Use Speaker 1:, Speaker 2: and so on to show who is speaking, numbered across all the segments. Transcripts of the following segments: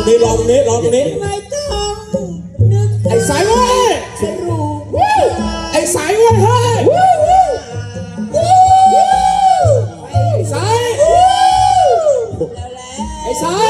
Speaker 1: นี้ลองนี้ลองนี้
Speaker 2: ไม่ต้องนึกไอ้
Speaker 1: สายเว้ย
Speaker 2: สรุป
Speaker 1: ไอ้สายเว้ยเฮ้ยไอ้สายไอ้สาย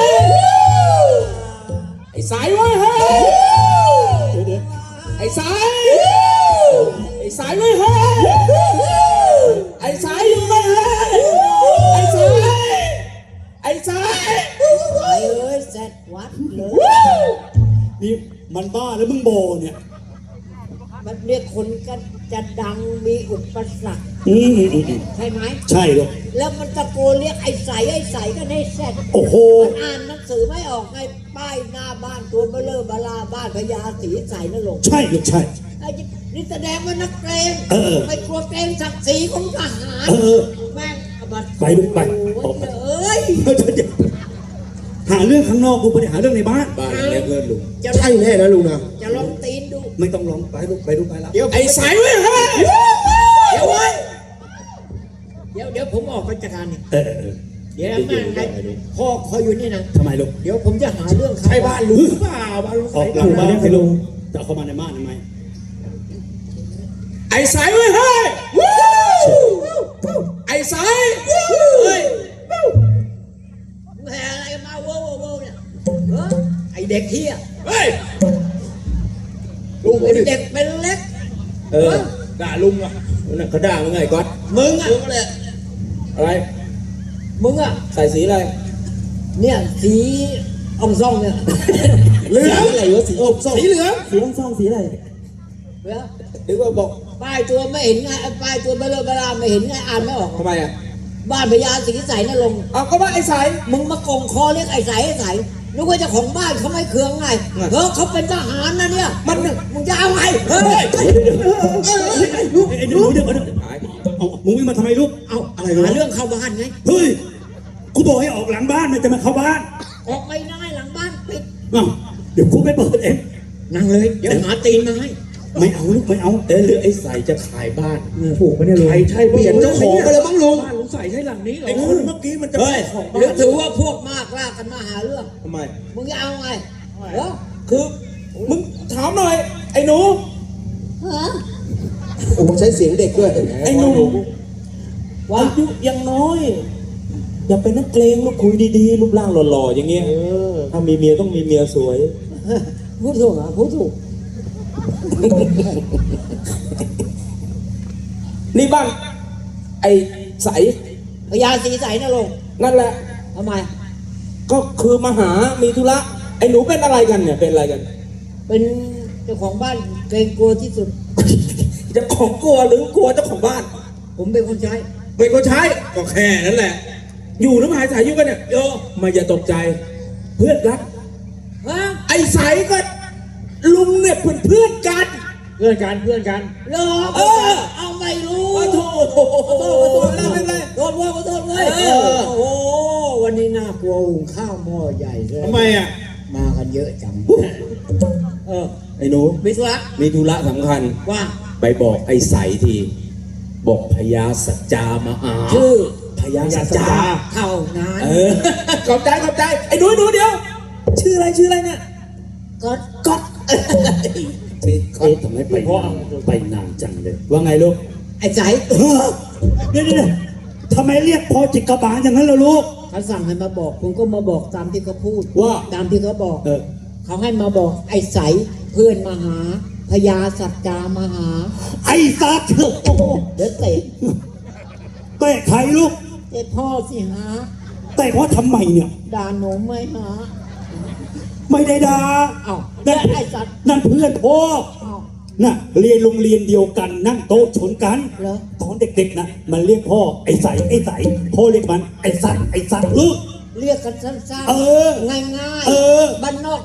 Speaker 1: ไอ้สายเว้ยเฮ้ยไอ้สายไอ้สายเว้ยเฮ้ยไอ้สายอยู่ไหมเฮ้ยไอ้สายไอ้สาย
Speaker 2: ไอ้เอ้ยเสร็จวัดเลย
Speaker 1: นี่มันบ้าแล้วมึงโบเนี่ย
Speaker 2: มันเรียกคนก็จะดังมีอุปสรรคใช่ไหม
Speaker 1: ใช่เลย
Speaker 2: แล้วมันตะโกนเรียกไอ้ใสกันให้เสร็จ
Speaker 1: โอ้โห
Speaker 2: มันอ่านหนังสือไม่ออกไงป้ายหน้าบ้านตัวเบลอเบลาบ้านพญาศรีใสนั่นลง
Speaker 1: ใช่ลูกใช่
Speaker 2: ไอ้นี่แสดงว่านักเกรงไม่กลัวเกรงศักดิ์ศรีของทหารแม่ง
Speaker 1: ไปลูกไป
Speaker 2: เอ้ย
Speaker 1: หาเรื่องข้างนอกกูไม่ได้หาเรื่องในบ้าน
Speaker 3: เรียกเพื่อนลุง
Speaker 1: ใช่แน่นะลุงนะ
Speaker 2: จะลองตีนดู
Speaker 1: ไม่ต้องลองไปลูกไปลูกไปแล้ว
Speaker 3: ไอ้สายเว้ยเฮ้ย
Speaker 2: เดี๋ยวไว้เดี๋ยวผมออกราชการนี่เดี๋ยวแม่งไงพ่อคอยอยู่นี่นะ
Speaker 1: ทำไมลูก
Speaker 2: เดี๋ยวผมจะหาเรื่อง
Speaker 3: ใครบ้านลุงเปล่าบ้านลุง
Speaker 1: ออกหลังบ้านให้ลุงจะเข้ามาในบ้านทำไมไอ้สายเว้ยเฮ้ยไอ้สายเฮ้ย
Speaker 2: แห่อะไรมาโว้เนี่ยไอเด็กเฮีย
Speaker 3: เฮ้ย
Speaker 2: ลุงเป็นเด็กเป็นเล็ก
Speaker 3: ด่าลุงอ่ะนั่นเขาด่ามึงไงก๊อต
Speaker 2: มึงอ่ะ
Speaker 3: อะไร
Speaker 2: มึงอ่ะ
Speaker 3: ใส่สีอะไร
Speaker 2: เนี่ยสีอ่องซ่องเนี่ย
Speaker 3: เหลืองอะไรวะสีอ่องซ่องสีเหลือง
Speaker 1: สีอ่องซ่องสีอะไร
Speaker 2: เหลือง
Speaker 3: หรือว่าบอก
Speaker 2: ป้ายตัวไม่เห็นไงป้ายตัวเบลอไม่เห็นไงอ่านไม่ออก
Speaker 3: ทำไมอ่ะ
Speaker 2: บ้านพญาศรีใสนั่นลง
Speaker 3: เอาก็ว่าไอ้ใส
Speaker 2: มึงมากงคอเรียกไอ้ใสนึกว่าเจ้าของบ้านเขาไม่เคืองไงเขาเป็นทหารนะเนี่ยมึงจะเอาไงเฮ้ย
Speaker 1: ลูกเดี๋ยวมึงวิ่งมาทำไมลูก
Speaker 2: เอาอะไรหาเรื่องเข้าบ้านไง
Speaker 1: เฮ้ยกูบอกให้ออกหลังบ้านมันจะมาเข้าบ้าน
Speaker 2: ออกไม่ได้หลังบ้านปิด
Speaker 1: เดี๋ยวกูไปเปิดเอง
Speaker 2: นั่งเลยเดี๋ยวหาตีนมาให้
Speaker 1: ไม่เอาลูกไม่เอา
Speaker 3: หรือไอ้ใสจะขายบ้าน
Speaker 1: ถูกไหมเนี่ยลุง
Speaker 3: ใช่เปลี่ยนเจ้าของไปแล้วมั้งลุง
Speaker 1: บ้านลุงใส่ใช่หลังนี้เหรอ
Speaker 3: ไอ้คนเมื่อกี้มันจะ
Speaker 2: ของบ้านหรือถือว่าพวกมากลากกันมาหาเรื่อง
Speaker 3: ทำไม
Speaker 2: มึงจะเอาไง
Speaker 3: คือมึงถามหน่อยไอ้หนูโอ้ใช้เสียงเด็กด้วย
Speaker 1: ไอ้หนูอายุยังน้อยอย่าเป็นนักเลงลูกคุยดีๆรูปร่างหล่อๆอย่างเงี้ยถ้ามีเมียต้องมีเมียสวย
Speaker 2: พูดถูกอ่ะพูดถูก
Speaker 3: นี่บ้านไอ้ใส
Speaker 2: พญาศรีใสนะลง
Speaker 3: นั่นแหละ
Speaker 2: ทำไม
Speaker 3: ก็คือมาหามีธุระไอ้หนูเป็นอะไรกันเนี่ยเป็นอะไรกัน
Speaker 2: เป็นเจ้าของบ้านเกรงกลัวที่สุด
Speaker 3: เจ้าของกลัวหรือกลัวเจ้าของบ้าน
Speaker 2: ผมเป็นคนใช้
Speaker 3: เป็นคนใช้ก็แค่นั้นแหละอยู่น้ำหายสายอยู่กันเนี่ยมาอย่าตกใจเพื่อนรักไอ้ใสก็ลุงเนี่ยเพื่อนกัน
Speaker 2: เหรอเอาไม่รู้
Speaker 3: โทษแล้วเป็นไร
Speaker 2: โทษเลยโอ้วันนี้น่ากลัวหุงข้าวหม้อใหญ่เลย
Speaker 3: ทำไมอ่ะ
Speaker 2: มากันเยอะจัง
Speaker 3: ไอ้หนู
Speaker 2: มี
Speaker 3: ธุระสำคัญ
Speaker 2: ว่า
Speaker 3: ไปบอกไอ้ใสทีบอกพญาสัจจามา
Speaker 2: ชื่อ
Speaker 3: พญาสัจจา
Speaker 2: เท่านั้น
Speaker 3: ขอบใจไอ้หนูเดี๋ยวชื่ออะไรเนี่ย
Speaker 2: ก๊อต
Speaker 1: ทำไมไปนานจังเลยว่าไงลูก
Speaker 2: ไอ้ใจ
Speaker 1: เนี่ยทำไมเรียกพอจิกกระบาลอย่างนั้นล่ะลูก
Speaker 2: เขาสั่งให้มาบอกผมก็มาบอกตามที่เขาพูด
Speaker 1: ว่า
Speaker 2: ตามที่เขาบอกเขาให้มาบอกไอ้ใสเพื่อนมาหาพญาสัจจามาหา
Speaker 1: ไอ้สัตว์
Speaker 2: เดี๋ยวเตะ
Speaker 1: ใครลูก
Speaker 2: เตะพ่อสิหา
Speaker 1: แต่พ่อทำไมเนี่ย
Speaker 2: ด่าหนูไม่หา
Speaker 1: ไม่ได้ด่า
Speaker 2: นั่นไอ้สัตว์
Speaker 1: นั่นเพื่อนพ่อน่ะเรียนโรงเรียนเดียวกันนั่งโต๊ะชนกันตอนเด็กๆนะมันเรียกพ่อไอ้ใสพ่อเรียกมันไอ้สัตว์ลูก
Speaker 2: เรียกกันสั้นๆง่ายๆบ้านนอก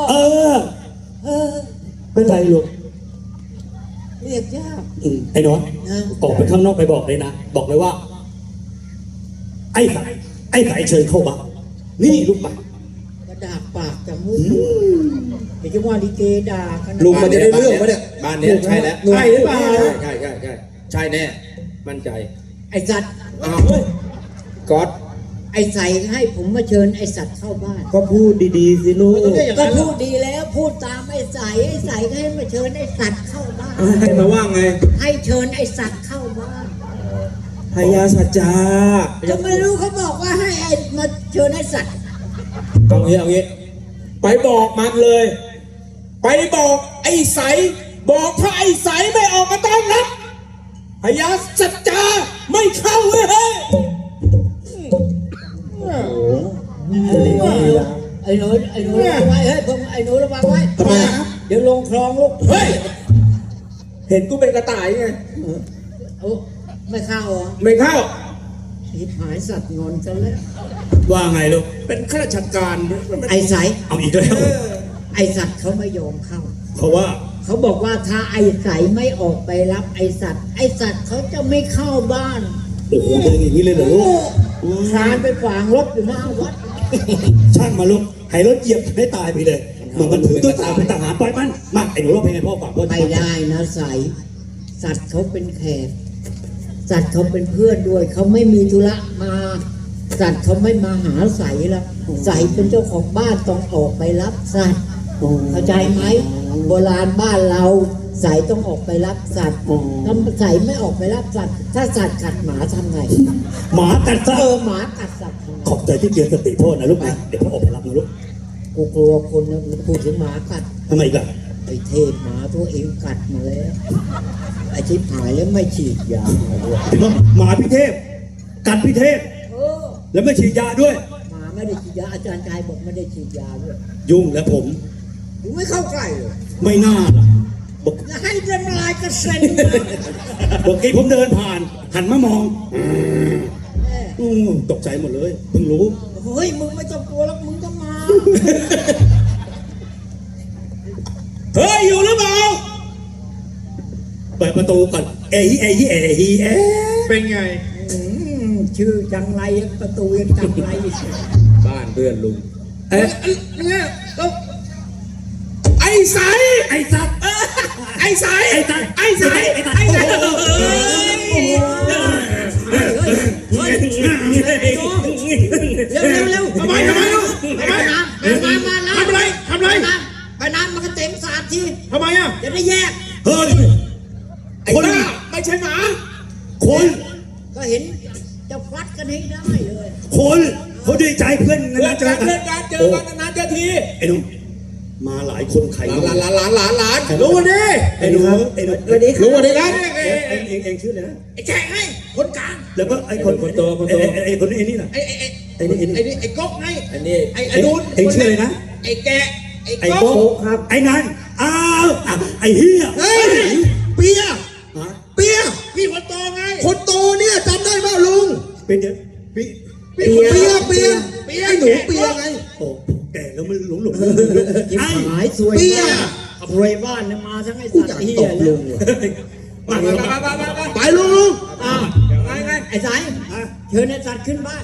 Speaker 1: เป็นไรลูก
Speaker 2: เรียกยาก
Speaker 1: ไอ้น้อยออกไปข้างนอกไปบอกเลยนะบอกเลยว่าไอ้ใสเชิญเข้าบ้านนี่ลูกไป
Speaker 2: ด่าปากจะมุ้งเดี๋ยวจะว่าดีเกด่ากัน
Speaker 3: ลุงมันจะได้เรื่องปะเนี่ยบ้านนี้ใช่แล้ว
Speaker 1: ใช่หรือเปล่า
Speaker 3: ใช่แน่มั่นใจ
Speaker 2: ไอ้จัด
Speaker 3: ก๊อต
Speaker 2: ไอ้ใสให้ผมมาเชิญไอ้สัตว์เข้าบ้าน
Speaker 3: ก็พูดดีๆสิลูก
Speaker 2: ก็พูดดีแล้วพูดตามไอ้ใสก็ให้มาเชิญไอ้สัตว์เข้าบ้าน
Speaker 3: ให้มาว่าไง
Speaker 2: ให้เชิญไอ้สัตว์เข้าบ้าน
Speaker 3: พญาสัจจา
Speaker 2: จะไม่รู้เขาบอกว่าให้ไอ้มาเชิญไอ้สัตว์
Speaker 3: เอางี้ ไปบอกมันเลย ไปบอกไอ้ใส บอกถ้าไอ้ใสไม่ออกมาต้อนรับพญาสัจจาไม่เข้าเว้ย
Speaker 2: ไอ้หนูระวังไว้เฮ้ยผมไอ้หนูระวังไว้เดี๋ยวลงคลองลูก
Speaker 3: เฮ้ย เห็นกูเป็นกระต่ายไง
Speaker 2: เอาไม่เข้าเหรอ
Speaker 3: ไม่เข้า
Speaker 2: ทิพหายสัตว์งอนซะแล้ว
Speaker 3: ว่าไงลูก เป็นข้าราชการ
Speaker 2: ไอ้ใส
Speaker 3: เอาอีกแล้ว
Speaker 2: ไอ้สัตว์เขาไม่ยอมเข้า
Speaker 3: เพราะว่า
Speaker 2: เขาบอกว่าถ้าไอ้ใสไม่ออกไปรับไอ้สัตว์เขาจะไม่เข้าบ้าน
Speaker 3: โอ้โหเป็นอย่างนี้เลยเหรอลูก
Speaker 2: คลานไปขวางรถอยู่หน้าวัด
Speaker 4: ช่างมาลูกให้รถเหยียบให้ตายไปเลยเหมือนมันถือตัวตาเป็นทหารปล่อยมันมาไอ้หนูร้องเพลงให้พ่อฟังพ่อ
Speaker 2: ไม่ได้นะใสสัตว์เขาเป็นแขกสัตว์เขาเป็นเพื่อนด้วยเขาไม่มีธุระมา สัตว์เขาไม่มาหาใสแล้วใสเป็นเจ้าของบ้านต้องออกไปรับสัตว์เข้าใจไหมโบราณบ้านเราใสต้องออกไปรับสัตว์ถ้าใสไม่ออกไปรับสัตว์ถ้าสัตว์กัดหมาทำไง
Speaker 4: หมากัดซะ
Speaker 2: หมากัดสัตว์ทำไง
Speaker 4: ขอบใจที่เตือนสติพ่อนะลูกนะเดี๋ยวพ่อออกไปรับนะลูก
Speaker 2: กูกลัวคนนะพูดถึงหมากัด
Speaker 4: ทำไมอีกล่ะ
Speaker 2: ไอ้เทพหมาตัวเองกัดมาแล้วไอ้ชิบหายแล้วไม่ฉีดยา
Speaker 4: ถึงว่าหมาพิเทพกัดพิเทพ
Speaker 2: เออ
Speaker 4: แล้วไม่ฉีดยาด้วย
Speaker 2: หมาไม่ได้ฉีดยาอาจารย์ชายบอกไม่ได้ฉีดยาด้วย
Speaker 4: ยุ่งแล้วผม
Speaker 2: ถึงไม่เข้าใกล้เลย
Speaker 4: ไม่น่าล่ะบอก
Speaker 2: จะให้เดินลายกระเซ็น
Speaker 4: บอกกี้ผมเดินผ่าน หันมามองตกใจหมดเลยเพิ่งรู้
Speaker 2: เฮ้ยมึงไม่ต้องกลัวแล้วมึงก็มา
Speaker 3: เฮ้ย อยู่หรือเปล่า
Speaker 4: เปิดประตูก่อนเอ้ยเอ้ยเอ้ยเอ้ย
Speaker 3: เป็นไง
Speaker 2: ชื่อจังไรประตูยังจังไร
Speaker 3: บ้านเพื่อนลุง เอ๊ะเนี่ยไอ้ใส
Speaker 4: ไอ้สัตว์
Speaker 3: ไอ้ใส
Speaker 4: ไอ้สัตว์
Speaker 3: ไอ้ใส
Speaker 4: ไอ้สัตว์
Speaker 3: ไอ้ใส
Speaker 2: เร็ว
Speaker 3: ทำไมลูกทำไม
Speaker 2: น้ำมาน้ำ
Speaker 3: ทำอะไร
Speaker 2: ไปน้ำมันก็เต็มสาดที
Speaker 3: ทำไมอ่ะ
Speaker 2: จะได้แยก
Speaker 4: เฮ้ย
Speaker 3: ไอ้บ้าไม่ใช่หมา
Speaker 4: คน
Speaker 2: ก็เห็นจะฟัดกันให้ได้เลย
Speaker 4: คนเขาดีใจเพื่อน
Speaker 3: เพื่อน
Speaker 4: นะเจ
Speaker 3: กั
Speaker 4: อน กัน
Speaker 3: เพื่อนกันเจอกันนานๆเจอที
Speaker 4: ไอ้หนุ่มมาหลายคนใคร
Speaker 3: หลานรู้วันนี้
Speaker 4: ไอ้หนูไอ้หนู
Speaker 3: รู้วันนี้ครับ
Speaker 4: เองชื่ออะไรนะ
Speaker 3: ไอ้แจกให้คนกลาง
Speaker 4: แล้วก็ไอ้คนโตไอ้คนนี้ไอ้นี่น่ะ
Speaker 3: ไอ้ก๊กไงอันนี้ไอ้ดูน
Speaker 4: เองชื่ออะไรนะ
Speaker 3: ไอ้แกะไอ้
Speaker 4: ไอ้
Speaker 3: ก๊
Speaker 4: โป๊
Speaker 3: ก
Speaker 4: ครับไอ้นั่นอ้าวไอ้เฮีย
Speaker 1: เฮ้ยเปีย
Speaker 4: ฮะ
Speaker 1: เปีย
Speaker 3: พี่คนโตไง
Speaker 1: คนโตเนี่ยจำได้ไหมลุง
Speaker 4: เป็นเดี๋ยวพี่
Speaker 1: เปียไอ้หนูเปียไง
Speaker 4: โอ้แก่แล้วมันหลง
Speaker 2: ทิพ
Speaker 4: ไอ้
Speaker 2: หายสวย
Speaker 1: เปีย
Speaker 2: รวยบ้านเนี่ยมาทั้งไอ้สัตว์เฮียเลย
Speaker 3: ไป
Speaker 1: ไปลุง
Speaker 2: อ้าว
Speaker 3: ไง
Speaker 2: ไอ้สายเชิญไอ้สัตว์ขึ้นบ้าน